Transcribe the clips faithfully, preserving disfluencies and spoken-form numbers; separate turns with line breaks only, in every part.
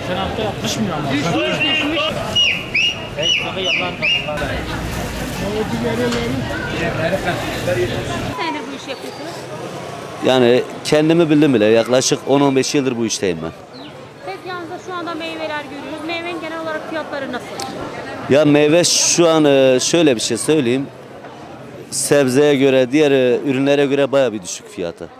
Geçen hafta yapmış mı ama?
Düşmüş düşmüş. Senedir bu işi yapıyorsunuz.
Yani kendimi bildim bile. Yaklaşık on on beş yıldır bu işteyim ben.
Tezgahınızda şu anda meyveler görüyoruz. Meyvenin genel olarak fiyatları nasıl?
Ya meyve şu an e, şöyle bir şey söyleyeyim. Sebzeye göre, diğer e, ürünlere göre baya bir düşük fiyatı.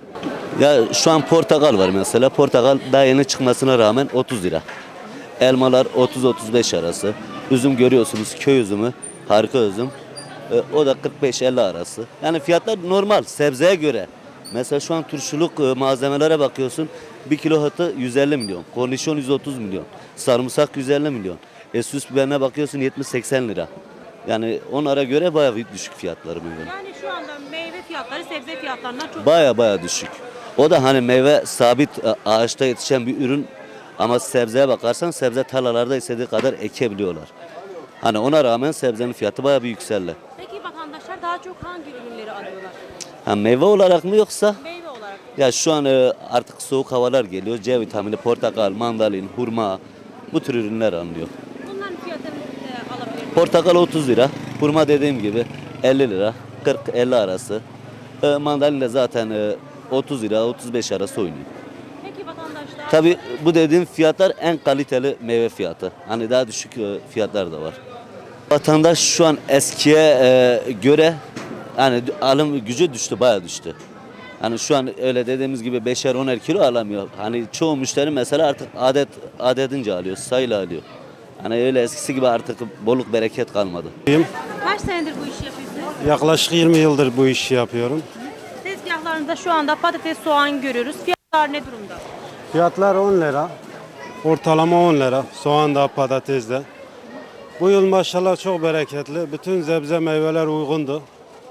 Ya şu an portakal var mesela. Portakal daha yeni çıkmasına rağmen otuz lira. Elmalar otuz otuz beş arası. Üzüm görüyorsunuz, köy üzümü, harika üzüm. E, o da kırk beş elli arası. Yani fiyatlar normal sebzeye göre. Mesela şu an turşuluk e, malzemelere bakıyorsun. Bir kilo hıtı yüz elli milyon. Kornişon yüz otuz milyon. Sarımsak yüz elli milyon. E, süs biberine bakıyorsun yetmiş seksen lira. Yani onlara göre bayağı bir düşük fiyatları meyve.
Yani şu anda meyve fiyatları sebze fiyatlarından çok
Baya baya düşük. O da hani meyve sabit e, ağaçta yetişen bir ürün ama sebzeye bakarsan sebze tarlalarda istediği kadar ekebiliyorlar. Hani ona rağmen sebzenin fiyatı baya bir yükseldi.
Peki vatandaşlar daha çok hangi ürünleri alıyorlar?
Ha, meyve olarak mı yoksa?
Meyve olarak.
Ya şu an e, artık soğuk havalar geliyor. C vitamini, portakal, mandalin, hurma bu tür ürünler alınıyor.
Bunların fiyatını e, alabilir miyim?
Portakal otuz lira, hurma dediğim gibi elli lira, kırk elli arası. E, mandalin de zaten e, otuz lira, otuz beş arası oynuyor.
Peki vatandaşlar
Tabii bu dediğim fiyatlar en kaliteli meyve fiyatı. Hani daha düşük e, fiyatlar da var. Vatandaş şu an eskiye e, göre hani alım gücü düştü, bayağı düştü. Hani şu an öyle dediğimiz gibi beşer oner kilo alamıyor. Hani çoğu müşteri mesela artık adet adetince alıyor, sayıyla alıyor. Hani öyle eskisi gibi artık bolluk bereket kalmadı.
kaç senedir bu işi yapıyorsunuz?
Yaklaşık yirmi yıldır bu işi yapıyorum.
Tezgahlarında şu anda patates, soğan görüyoruz. Fiyatlar ne durumda?
Fiyatlar on lira. Ortalama on lira. Soğan da patates de. Bu yıl maşallah çok bereketli. Bütün sebze meyveler uygundu.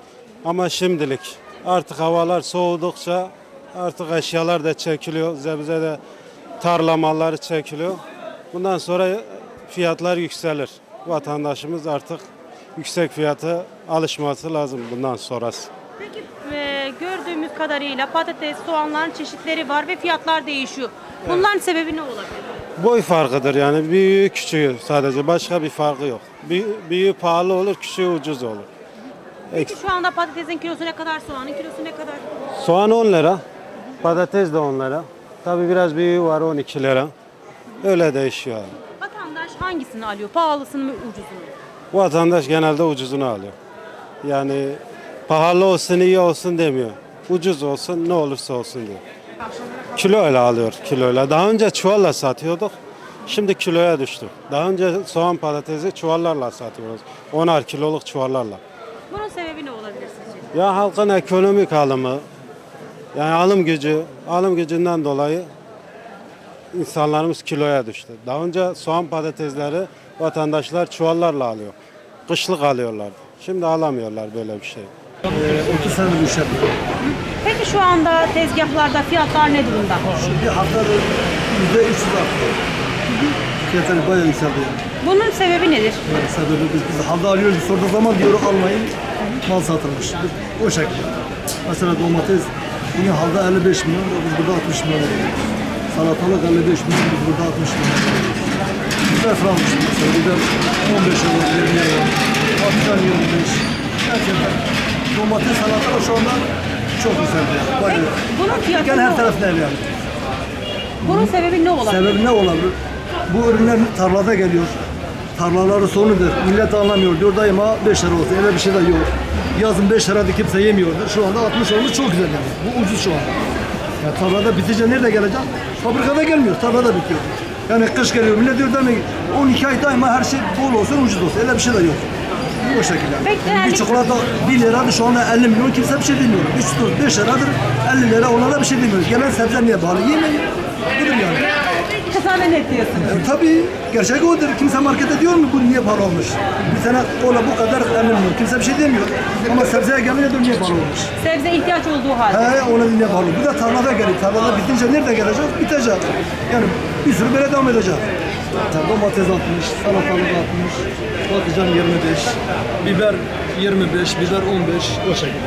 Ama şimdilik artık havalar soğudukça artık eşyalar da çekiliyor. Sebze de tarla malları çekiliyor. Bundan sonra fiyatlar yükselir. Vatandaşımız artık yüksek fiyata alışması lazım bundan sonrası.
Peki e, gördüğümüz kadarıyla patates, soğanların çeşitleri var ve fiyatlar değişiyor. Bunların sebebi ne olabilir?
Boy farkıdır yani büyüğü küçüğü sadece başka bir farkı yok. Büyüğü, büyüğü pahalı olur, küçüğü ucuz olur.
Peki şu anda patatesin kilosu ne kadar, soğanın kilosu ne kadar?
Soğan on lira, patates de on lira. Tabii biraz büyüğü var on iki lira. Öyle değişiyor abi.
Vatandaş hangisini alıyor? Pahalısını mı, ucuzunu mu?
Vatandaş genelde ucuzunu alıyor. Yani pahalı olsun iyi olsun demiyor. Ucuz olsun ne olursa olsun diyor. Kiloyla alıyor kiloyla. Daha önce çuvalla satıyorduk. Şimdi kiloya düştü. Daha önce soğan patatesi çuvallarla satıyoruz. onar kiloluk çuvallarla.
Bunun sebebi ne olabilir sizce?
Ya halkın ekonomik alımı, yani alım gücü, alım gücünden dolayı insanlarımız kiloya düştü. Daha önce soğan patatesleri vatandaşlar çuvallarla alıyor. Kışlık alıyorlardı. Şimdi alamıyorlar böyle bir şey.
otuz senedir bu iş yapıyorum.
Peki şu anda tezgahlarda fiyatlar ne durumda?
Şimdi haftada yüzde üç yüz arttı. Fiyatları bayağı yükseldi yani.
Bunun sebebi nedir?
Yani sebebi biz, biz halde alıyoruz, sorduğu zaman diyoruz almayın, mal satılmış. Biz o şekilde. Mesela domates, yine halde elli beş milyon, biz burada altmış milyon veriyoruz. Salatalık elli beş milyon, biz burada altmış milyon veriyoruz. Biber franmış mesela, biber on beş euro, yirmi euro, patlıcan yirmi beş. Gerçekten domates, salatalık şu anda çok yükseldi yani. Bayağı.
Bunun fiyatı
Gel
ne
her
olur?
tarafına ev yani.
Bunun sebebi ne olabilir?
Sebebi ne olabilir? Bu ürünler tarlada geliyor. Tarlaları sonudur. Millet anlamıyor. Diyor daima beş lira olsun. Öyle bir şey de yok. Yazın beş lirada kimse yemiyordu. Şu anda altmış olmuş çok güzel yani. Bu ucuz şu anda. Ya tarlada bitince nerede gelecek? Fabrikada gelmiyor. Tarlada bitiyor. Yani kış geliyor. Millet diyor demek on iki ay daima her şey bol olsun, ucuz olsun. Öyle bir şey de yok. Bu şekilde.
Peki,
Yani.
yani-
Bir çikolata bir liradır şu anda elli milyon kimse bir şey demiyor. üç dört beş liradır elli lira onlara bir şey demiyor. Gelen sebze niye pahalı? Yemeyin. Budur yani.
Kısa ve net diyorsun.
E, tabii gerçek odur. Kimse markete diyor mu bu niye pahalı olmuş? Bir tane kola bu kadar elli milyon. Kimse bir şey demiyor. Ama sebzeye gelince diyor niye pahalı olmuş?
Sebze ihtiyaç olduğu halde.
He ona niye pahalı? Bu da tarlada geliyor. Tarlada bitince nerede gelecek? Bitecek. Yani bir sürü böyle devam edecek. Domates altmış, salatalık altmış, patlıcan yirmi beş, biber yirmi beş, biber on beş o şekilde.